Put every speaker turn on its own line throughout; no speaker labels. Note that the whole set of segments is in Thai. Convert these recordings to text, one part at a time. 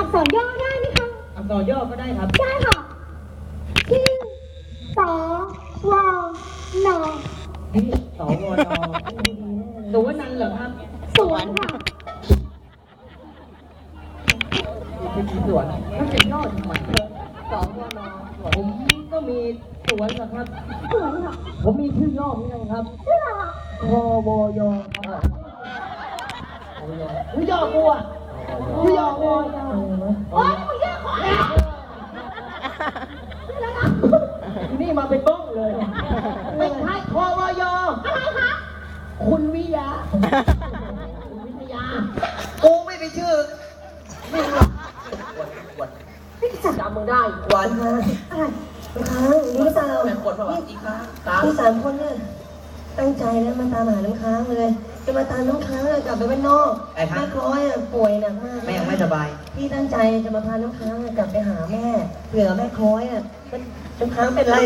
ษรย่อได้ไหมคะ
อักษรย่อก็ได้ครับ
ได้ค่ะที่สอวอนอ
ที่สวนสวนนันเหรอครับ
สวนค่ะ
เป็นสวนแล้วจะย่อทำไมสวนผมก็มีสวนนะครับ
สวนค่ะ
ผมมีชื่อย่อเหมือนกันครับ
ชื่ออะไร
พวยครับมึงย่อกูอ่ะมึงย่อกู
โอ๊ยมึงย่อขอแล้ว
นี่มาเป็นบ้องเลยไม่ใช่พวย
อะไรคะ
คุณวิยา
กูไม่ไปชื่อไม่รู้
ไม่จับ
จำมึงได้
หวานค่ะ
อะไร
ค้างนี่สาวเป็นคนแบบอีกค้างที่3 คนเนี่ยตั้งใจแล้วมาตามหาน้ำค้างเลยจะมาตามน้ำค้างกลับไปบ้านนอกแม่คล้อยป่วยหนักมากแม่ยังไม่สบายพี่ตั้งใจจะมาพาน้ำค้างกลับไปหาแม่เผื่อแม่คล้อยน้ำค้างเป็นไร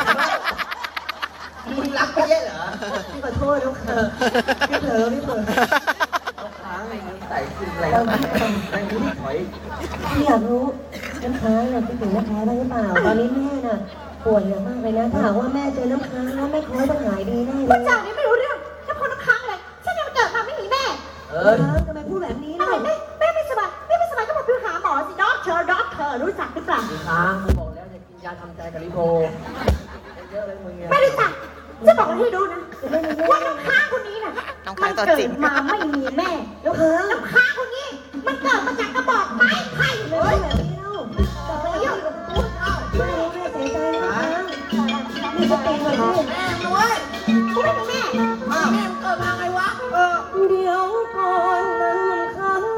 มึงรักไม่ใช่เหรอพี่ขอโทษน้ำค้างพี่เผลอน้ำค้างในนี้ใส่ขึ้นอะไรในนี้ถอยพี่อยากรู้น้ำค้างคิดถึงน้ำค้างได้หรือเปล่าตอนนี้แม่น่ะป่วยมากเลยนะถ้าหากว่าแม่เจอน้ำค้างแล้วแม่คล้อยต้องหายดีแน่เลย
ผู้จ่านี่ไม่รู้เรื่องถ้าคนน้ำค้างอะไรฉันยังเกิดมาไม่มีแม่
ทำไมพูดแบบนี้ล่ะ
แม่ไม่สบายก็บอกไปหาหมอสิด็อกเตอร์รู้จักหรือเปล่า
ค้างกูบอกแล้วจะกินยาทำใจกับลิโพเยอะเลยมึง
ไม่รู้จักจะบอกให้ดูนะว่าน้ำค้างคนนี้น่ะมันเกิดมาไม่มีแม่แล้วน้ำค้างคนนี้มันเกิดมาจากกระบอกไม้ไผ่
เลยแบบนี้เล่าไม่รู้แม่เสียใจนะนี่จะเป็นแบบนี้แม่ด้วย
กูไม่เป็นแม่
แม่เกิดมาไงวะเดี๋ยวก่อนน้ำค้าง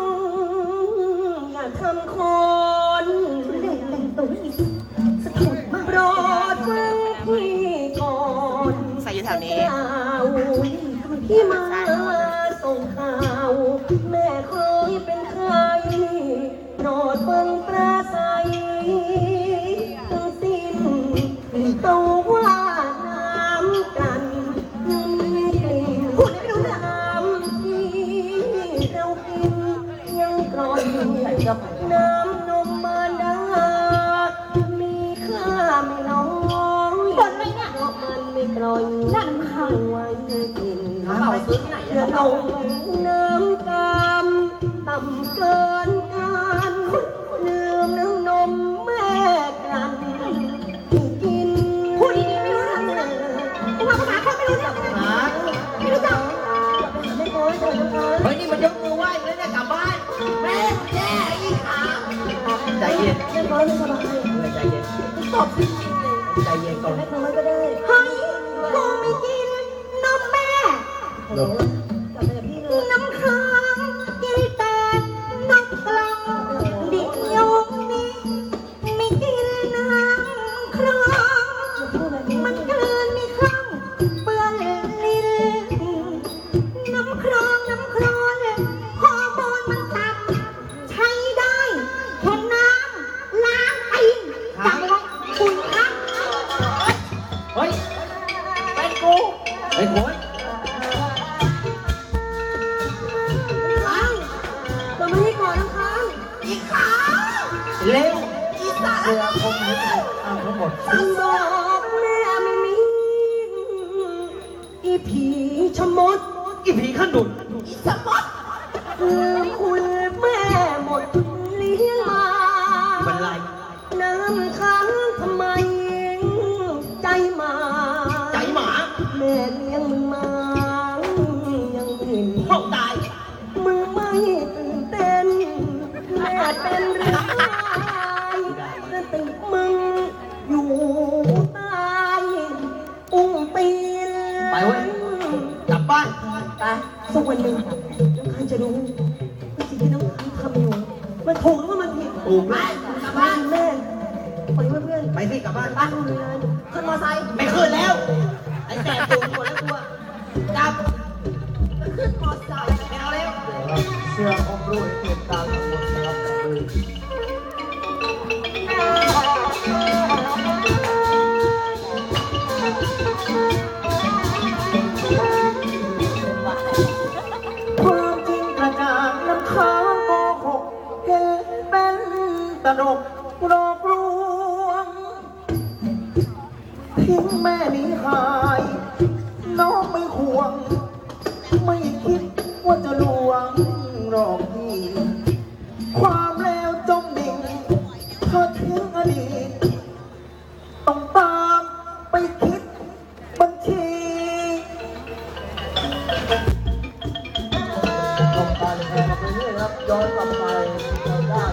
อย่าทำคน
แต่งตัวนี่สะทุดมาก
โปรดฟังพี่ก่อน
ใส่อยู่แถวนี้
ที่มาส่งข่าวแม่เคยเป็นใครโปรดฟังปราศัยทั้งสิ้นต้องว่าน้ำกันมีกลิ่นพูดไม่รู้น้ำที่เรากินยังกร่อยน้ำนมมารดามีค่าไม่น้อย
บ่นไหมเนี่ย
มันไม่กร่อย
นั่นค่ะ
ไว้กินเราซื้อที่ไหนเราน้ำกามต่ำเกินการลืมน้ำนมแม่กันกิน
พูดดีๆไม่รู้เรื่องเลยกูว่าภาษาคนไม่รู้เรื่องไม่รู้จัก
ไม่โกรธ
เฮ้ยนี่มันยกมือไหว้แล้วเนี่ยกลับบ้าน
แม่แย่อีกค่ะใจเย็นไม่โกรธไม่สบาย
ใจเย็น
ตบจริงเลย
ใจเย็นก่อน
ไม่โกรธก็ได้
เฮ้ยกูไม่กินนมแม่
กลับไปกับพี่เลย
น้ำค้างกินแต่นมกล่องเดี๋ยวนี้ไม่กินน้ำครองมันเกินไม่คล่องเปื้อนลิ้นน้ำครองฮอร์โมนมันต่ำใช้ได้แค่น้ำล้างตีนจำไว้คุณครับ
เฮ้ยเป็นกูไอ้โว้ย
เราไม่ให้ก่อนนะคะอีกขา
เร็ว
อีสาน
เสือคงไม่ได้เอาทั้งหมด
ฉันบอกแม่ไม่มีอีผีชะมด
อีผีขนุน
อีสมดคุณแม่หมดเลี้ยงมา
เป็นไร
น้ำค้างทำไมใจหมาแม่เลี้ยงมึงมายังหิน
ห้องตาย
มึงไม่ตื่นเต้นแม่เป็นเรื่องสติมึงอยู่ใต้อุ้งตีน
ไปเว้ยกลับบ้าน
ไปสักวันหนึ่งน้ำค้างจะรู้ว่าสิ่งที่น้ำค้างทำอยู่มันถูกหรือว่ามันผิด
ถูกไหม
กลับบ้านแม่ไปเพื่อน
ไปสิกลับบ้าน
บ้านคุณเลยขึ้นมอไซค์
ไม่ขึ้นแล้วไอ้แก่ตูนหมดแล้วตัวจับ
ขึ้นมอไซค์
ไม่เอาแล้ว
เสื้อของรุ่นเหตุการณ์ทั้งหมดนะครับ
ความจริงกระจ่างน้ำค้างโกหกเห็นเป็
ตลกหลอกลวงทิ้งแม่หนีหายน้องไม่ห่วงไม่คิดว่าจะลวงหลอกพี่ความแล้วจมดิ่งเธอทิ้งอดีตต้องตามไปคิดบัญชีต้องการแข่งไปเรื่อยครับย้อนกลับไป